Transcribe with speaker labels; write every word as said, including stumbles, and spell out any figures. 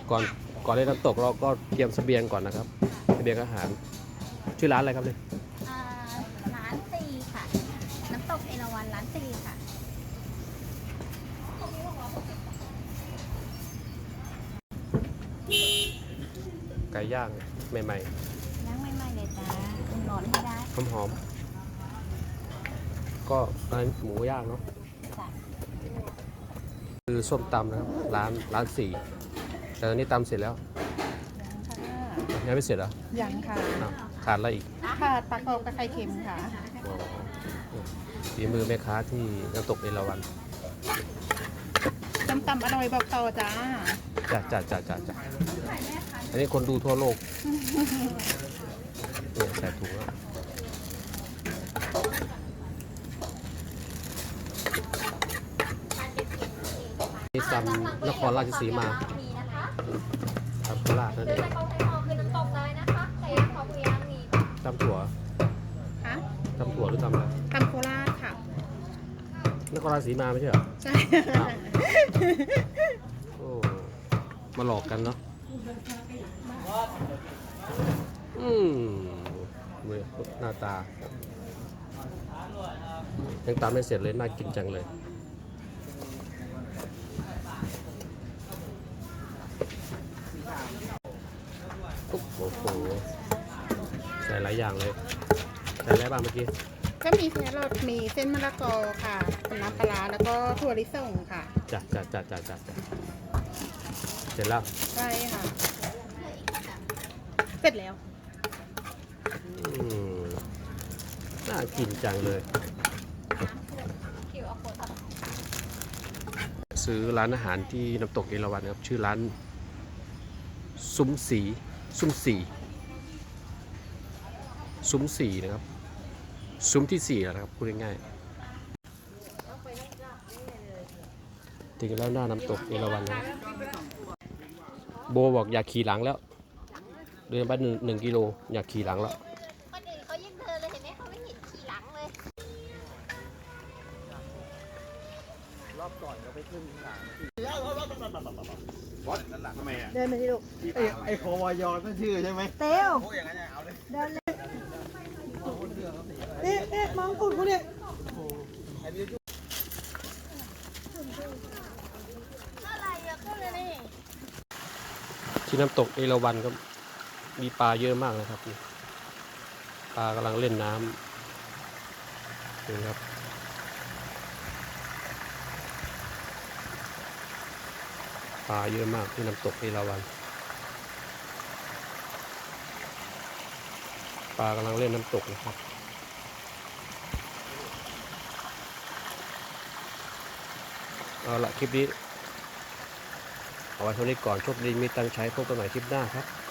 Speaker 1: ก่อนก่อนเล่นน้ำตกเราก็เตรียมเสบียงก่อนนะครับเสบียงอาหารชื่อร้านอะไรครับเนี่ย
Speaker 2: อ่าร้านซีค่ะน้ำตกเอราวัณร้านซีค่ะ
Speaker 1: ไก่ย่างใหม่
Speaker 2: ย่างใหม่ๆเลยจ้าอุ่นร้อนให้ได้
Speaker 1: ๆหอมๆก็ร้านหมูย่างเนาะ
Speaker 2: จ้ะ
Speaker 1: คือส้มตำนะครับร้านร้านสี่แต่ตอนนี้ตำเสร็จแล้วยังไม่เสร็จเหรอ
Speaker 3: ยังค่ะ
Speaker 1: อ้าวขาดอะไรอีก
Speaker 3: ค่ะปลากรอบกับไข่เค็มค่ะ
Speaker 1: อ๋อฝีมือแม่ค้าที่น้ำตกเอราวัณ
Speaker 3: ตำตำอร่อยบอกต่อจ้า
Speaker 1: จ้าจ้าจ้าจ้าจ้าอันนี้คนดูทั่วโลกเนี่ยใส่ถุงแล้วนี่ตำนครราชสีมาตำโคราชนั่นเองตำถั่ว
Speaker 3: ฮะ
Speaker 1: ตำถั่วหรือตำอะไร
Speaker 3: ตำโคราชค่ะ
Speaker 1: นครราชสีมาไม่ใช่เหรอ
Speaker 3: ใช่
Speaker 1: อ้าวโอ้มาหลอกกันเนาะอืมหน้าตายังตามไม่เสร็จเลยน่ากินจังเลยโอ้โหใส่หลายอย่างเลยใส่อะไรบ้างเมื่อกี้
Speaker 3: ก็มีแครอทมีเส้นมะละกอค่ะน้ำปลาร้าแล้วก็ถั่วลิสงค่ะ
Speaker 1: จ้ะจ้ะจ้ะจ้ะจ้ะจ้ะเสร็จแล้ว
Speaker 3: ใช่ค่ะ เสร็จแล้ว
Speaker 1: อืมน่ากินจังเลยซื้อร้านอาหารที่น้ำตกเอราวัณครับชื่อร้านซุ้มสีซุ้มสีซุ้มสีนะครับซุ้มที่สี่แล้วนะครับพูดง่ายๆถึงแล้วหน้าน้ำตกเอราวัณแล้วโบบอกอยากขี่หลังแล้วเดินไปหนึ่งหนึ่งกิโลอยากขี่หลังแล้ว
Speaker 2: คนอื่นเขายังเดินเลยเห็นไหมเขาไม่เห็นขี่หลังเลย
Speaker 4: รอบก่อนก็ไปขึ้นสามวัดนั่นแหละทำไมอ่ะ
Speaker 3: เดินมาที่ลูก
Speaker 4: ไอ้ไอ้โควายอนั่นชื่อใช่ไหม
Speaker 3: เต้ว
Speaker 4: โอ้อย่างนั้นเอาเลย
Speaker 3: เดินเลยเอ๊ะเอ๊ะมองกุดกูเนี่ย
Speaker 2: อะไรอะก็เลยนี่
Speaker 1: ที่น้ำตกเอราวัณก็มีปลาเยอะมากนะครับปลากำลังเล่นน้ำนี่ครับปลาเยอะมากที่น้ำตกเอราวัณปลากำลังเล่นน้ำตกนะครับเอาละคลิปนี้เอาไว้เท่านี้ก่อนโชคดีมีตังค์ใช้พบกันใหม่คลิปหน้าครับ